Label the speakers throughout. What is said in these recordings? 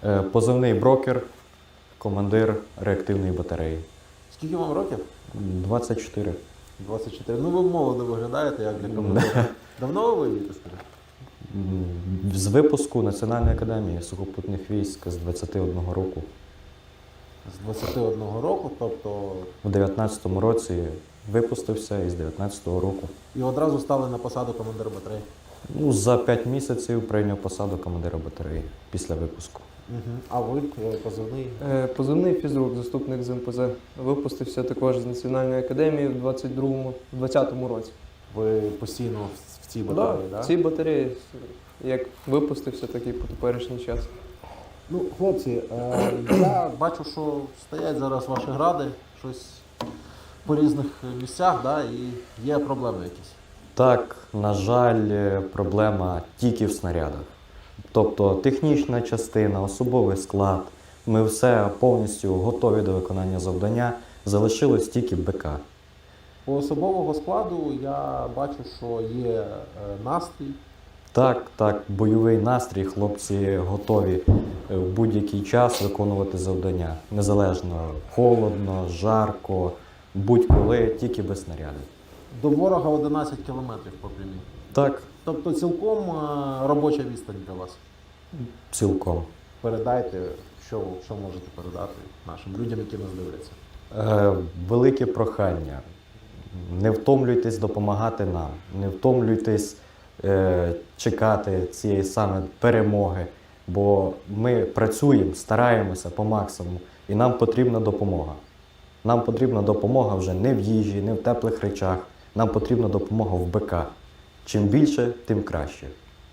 Speaker 1: Позивний брокер, командир реактивної батареї.
Speaker 2: Скільки вам років?
Speaker 1: 24.
Speaker 2: 24. Ну ви молодо виглядаєте, як для командира. Давно ви воюєте, скажіть?
Speaker 1: З випуску Національної академії сухопутних військ з 21 року.
Speaker 2: З 21 року, тобто
Speaker 1: У 19-му році випустився і з 19-го року.
Speaker 2: і одразу стали на посаду командира батареї.
Speaker 1: Ну, за 5 місяців прийняв посаду командира батареї після випуску.
Speaker 2: А ви позивний?
Speaker 3: Позивний фізрук, заступник з МПЗ. Випустився також з Національної академії в 20-му році.
Speaker 2: Ви постійно в цій батареї,
Speaker 3: Да,
Speaker 2: так?
Speaker 3: в цій батареї, як випустився, так і по теперішній час.
Speaker 2: Ну, хлопці, я бачу, що стоять зараз ваші гради, щось по різних місцях, да, і є проблеми якісь.
Speaker 1: Так, на жаль, проблема тільки в снарядах. Тобто технічна частина, особовий склад, ми все повністю готові до виконання завдання, залишилось тільки БК.
Speaker 2: По особового складу я бачу, що є настрій.
Speaker 1: Так, бойовий настрій, хлопці готові в будь-який час виконувати завдання. Незалежно, холодно, жарко, будь-коли, тільки без снарядів.
Speaker 2: До ворога 11 кілометрів по прямій.
Speaker 1: Так,
Speaker 2: Тобто цілком робоча відстань для вас.
Speaker 1: цілком.
Speaker 2: Передайте, що можете передати нашим людям, які нас дивляться.
Speaker 1: Велике прохання. Не втомлюйтесь допомагати нам, не втомлюйтесь чекати цієї саме перемоги, бо ми працюємо, стараємося по максимуму, і нам потрібна допомога. Нам потрібна допомога вже не в їжі, не в теплих речах, нам потрібна допомога в БК. Чим більше, тим краще.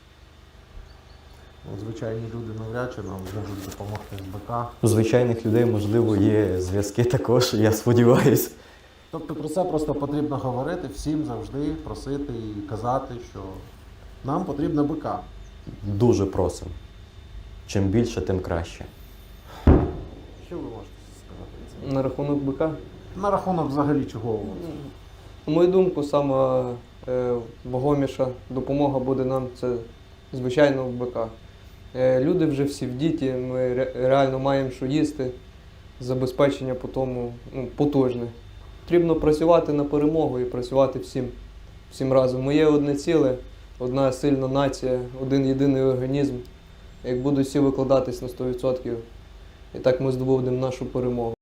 Speaker 2: Звичайні люди навряд чи нам можуть допомогти з БК.
Speaker 1: У звичайних людей, можливо, є зв'язки також, я сподіваюся.
Speaker 2: Тобто про це просто потрібно говорити, всім завжди просити і казати, що нам потрібна БК.
Speaker 1: Дуже просимо. Чим більше, тим краще.
Speaker 2: Що ви можете сказати?
Speaker 3: На рахунок БК.
Speaker 2: На рахунок взагалі чого?
Speaker 3: На мою думку, сама вагоміша допомога буде нам це, звичайно, в БК. Люди вже всі в діті, ми реально маємо що їсти, забезпечення по тому потужне. Потрібно працювати на перемогу і працювати всім разом. Ми є одне ціле, одна сильна нація, один єдиний організм. Як будуть всі викладатись на 100%, і так ми здобудемо нашу перемогу.